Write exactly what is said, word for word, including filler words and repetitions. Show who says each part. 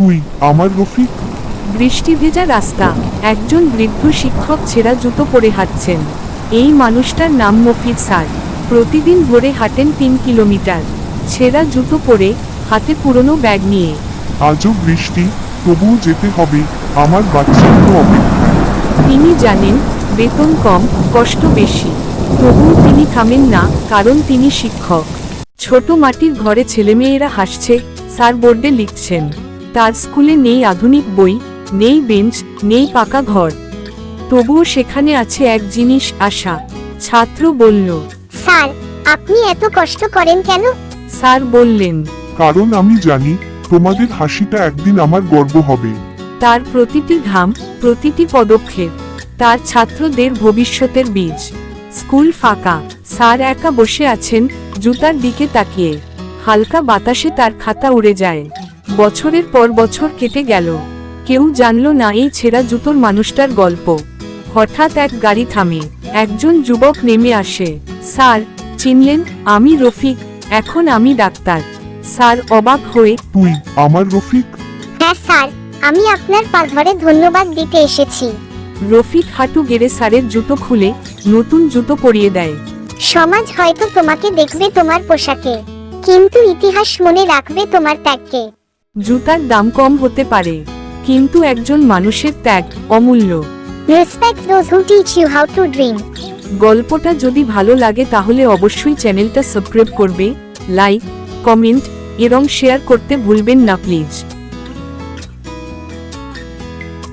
Speaker 1: তুই আমার রফিক?
Speaker 2: বৃষ্টি ভেজা রাস্তা, একজন বৃদ্ধ শিক্ষক ছেঁড়া জুতো পরে হাঁটছেন। এই মানুষটার নাম মফিজ স্যার। প্রতিদিন ভোরে হাঁটেন তিন কিলোমিটার, ছেঁড়া জুতো পরে, হাতে পুরনো ব্যাগ নিয়ে।
Speaker 1: আজও বৃষ্টি, তবুও যেতে হবে, আমার বাচ্চার তো অপেক্ষা।
Speaker 2: তিনি জানেন বেতন কম, কষ্ট বেশি, তবুও তিনি থামেন না, কারণ তিনি শিক্ষক। ছোট মাটির ঘরে ছেলেমেয়েরা হাসছে, স্যার বোর্ডে লিখছেন। তার স্কুলে নেই আধুনিক বই, নেই বেঞ্চ, নেই পাকা ঘর, তবুও সেখানে আছে এক জিনিস, আশা। ছাত্র বলল,
Speaker 3: স্যার, আপনি এত কষ্ট করেন কেন?
Speaker 2: স্যার বললেন,
Speaker 1: কারণ আমি জানি তোমাদের হাসিটা একদিন আমার গর্ব হবে।
Speaker 2: তার প্রতিটি ঘাম, প্রতিটি পদক্ষেপ তার ছাত্রদের ভবিষ্যতের বীজ। স্কুল ফাঁকা, স্যার একা বসে আছেন, জুতার দিকে তাকিয়ে। হালকা বাতাসে তার খাতা উড়ে যায়। বছরের পর বছর কেটে গেল, কেউ জানল না এই ছেঁড়া জুতোর মানুষটার গল্প। হঠাৎ এক গাড়ি থামে, একজন যুবক নেমে আসে। স্যার চিনলেন? আমি রফিক, এখন আমি ডাক্তার। স্যার অবাক হয়ে,
Speaker 1: তুই আমার রফিক?
Speaker 3: হ্যাঁ স্যার, আমি আপনার পা ধরে ধন্যবাদ দিতে এসেছি।
Speaker 2: রফিক হাঁটু গেড়ে স্যারের জুতো খুলে নতুন জুতো পরিয়ে দেয়।
Speaker 3: সমাজ হয়তো তোমাকে দেখবে তোমার পোশাকে, কিন্তু ইতিহাস মনে রাখবে তোমার ত্যাগকে।
Speaker 2: জুতার দাম কম হতে পারে, কিন্তু একজন মানুষের ত্যাগ অমূল্য।
Speaker 3: Respect those who teach you how to dream.
Speaker 2: গল্পটা যদি ভালো লাগে তাহলে অবশ্যই চ্যানেলটা সাবস্ক্রাইব করবে, লাইক, কমেন্ট এবং শেয়ার করতে ভুলবেন না প্লিজ।